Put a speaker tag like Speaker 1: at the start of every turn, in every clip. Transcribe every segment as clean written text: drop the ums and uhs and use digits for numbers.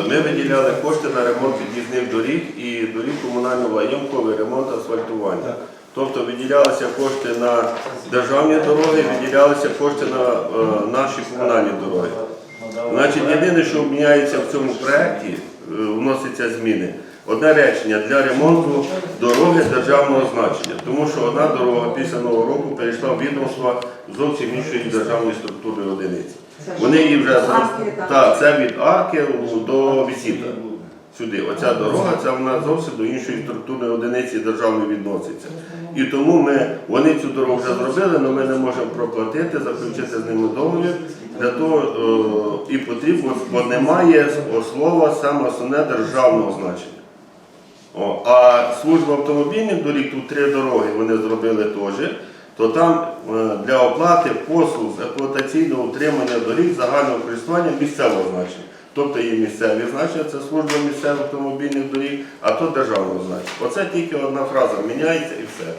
Speaker 1: Ми виділяли кошти на ремонт під'їзних доріг і доріг комунального ямковий ремонт асфальтування. Тобто виділялися кошти на державні дороги, виділялися кошти на наші комунальні дороги. Значить, єдине, що міняється в цьому проєкті, вносяться зміни. Одне речення для ремонту дороги державного значення, тому що одна дорога після Нового року перейшла в відомство зовсім іншої державної структури одиниці. Вони її вже це від Арки до Вісіта. Сюди. Оця дорога, це вона зовсім до іншої структурної одиниці державної відноситься. І тому вони цю дорогу вже зробили, але ми не можемо проплатити, заключити з ними договір. Для того і потрібно, бо немає слова саме основне державного значення. А служба автомобільних доріг, тут 3 дороги вони зробили теж, то там для оплати послуг з експлуатаційного утримання доріг загального користування місцевого значення. Тобто є місцеві значення, це служба місцевих автомобільних доріг, а то державного значення. Оце тільки одна фраза міняється і все.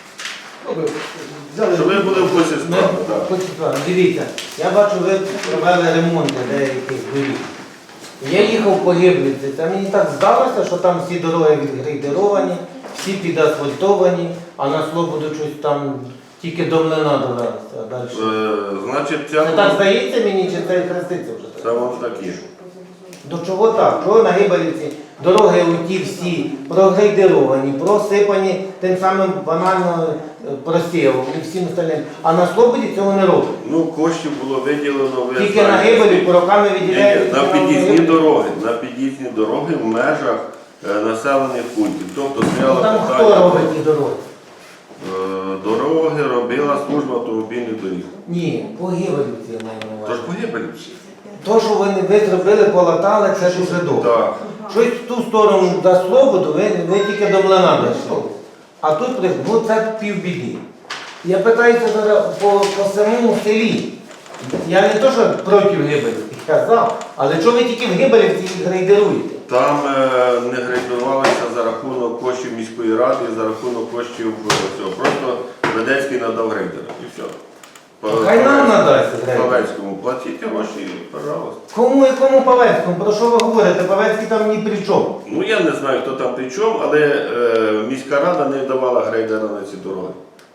Speaker 1: Щоб ви були в курсі справи.
Speaker 2: Дивіться, я бачу, ви провели ремонти деяких доріг. Я їхав по Гиблівці, та мені так здалося, що там всі дороги відгрейдеровані, всі підасфальтовані, а на Слободу щось там тільки до Млина довелося, а далі.
Speaker 1: Значить,
Speaker 2: Це так здається мені, чи це хреститься вже?
Speaker 1: Це воно такі.
Speaker 2: До чого так? Чого на Гибелівці дороги оті всі прогрейдеровані, просипані тим самим банально просівом і всім остальним. А на Слободі цього не роблять.
Speaker 1: Ну, коштів було виділено.
Speaker 2: Тільки на Гибелі роками виділяють.
Speaker 1: На під'їзні дороги в межах населених пунктів. Тобто стояло
Speaker 2: там
Speaker 1: питання.
Speaker 2: Хто робить ті дороги?
Speaker 1: Дороги робила служба автомобільних доріг.
Speaker 2: Ні, по Гибелівці я маю на увазі.
Speaker 1: Тож погибелі всі.
Speaker 2: То, що ви зробили, полатали, це дуже добре.
Speaker 1: Так.
Speaker 2: Щось в ту сторону до Слободу, ви тільки до Млина дійшли. А тут це півбіди. Я питаюся зараз по самому селі. Я не то, що проти Гибелівки казав, але чого ви тільки в Гибелівці їх грейдеруєте?
Speaker 1: Там не грейдувалися за рахунок коштів міської ради, за рахунок коштів цього. Просто Ведецький надав грейдера і все.
Speaker 2: Хай нам надасть грейдер.
Speaker 1: Павецькому платіть гроші, пожалуйста.
Speaker 2: Кому Павецькому? Про що ви говорите? Павецький там ні при чому.
Speaker 1: Ну я не знаю, хто там при чому, але міська рада не давала грейдера на ці дороги.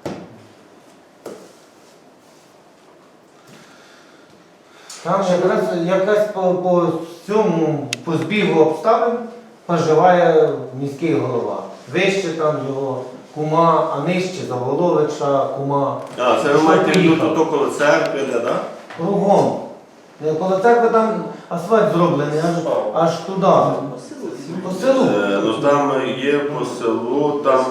Speaker 2: Там якась по цьому, по збігу обставин проживає міський голова. Вище там його кума, а нижче Заволовича, кума.
Speaker 1: А, це ви маєте тут около церкви, так?
Speaker 2: Кругом. Коло церкви там асфальт зроблений, аж туди. По селу.
Speaker 1: Ну там є по селу, там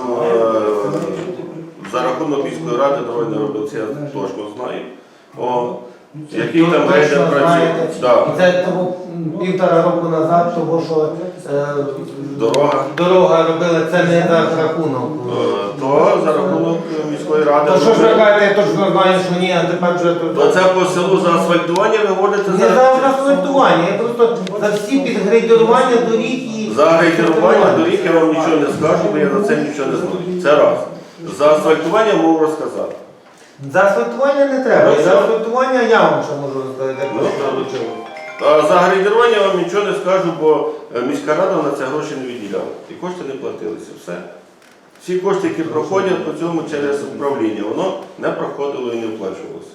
Speaker 1: за рахунок міської ради дороги не робив, це я точно знаю. Який там грейдер працює?
Speaker 2: І це того 1,5 року назад, тому що дорога робила, це не за рахунок.
Speaker 1: То за рахунок міської ради.
Speaker 2: То що ж ви кажете, я точно знаю, що ні, а тепер вже тут.
Speaker 1: То це по селу за асфальтування ви говорите?
Speaker 2: Не за асфальтування, я просто за всі підгрейдерування доріг і...
Speaker 1: За грейдерування доріг я вам нічого не скажу, бо я за це нічого не знаю. Це раз. За асфальтування можу розказати.
Speaker 2: За асфальтування не треба, за асфальтування я вам ще можу розказати.
Speaker 1: А за грейдерування я вам нічого не скажу, бо міська рада на це гроші не виділяла. І кошти не платилися. Все. Всі кошти, які проходять по цьому через управління, воно не проходило і не оплачувалося.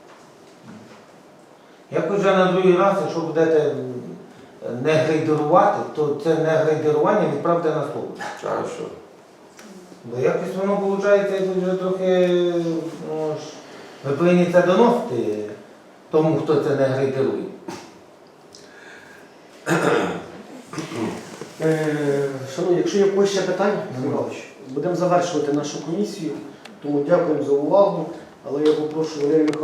Speaker 2: Як вже на другий раз, якщо будете не грейдерувати, то це не грейдерування відправте на слово.
Speaker 1: Хорошо.
Speaker 2: Бо якось воно виходить вже трохи, ви повинні це доносити тому, хто це не грейдерує.
Speaker 3: Шановні, якщо є якісь ще питання, будемо завершувати нашу комісію, тому дякуємо за увагу, але я попрошу Валерію Михайловича.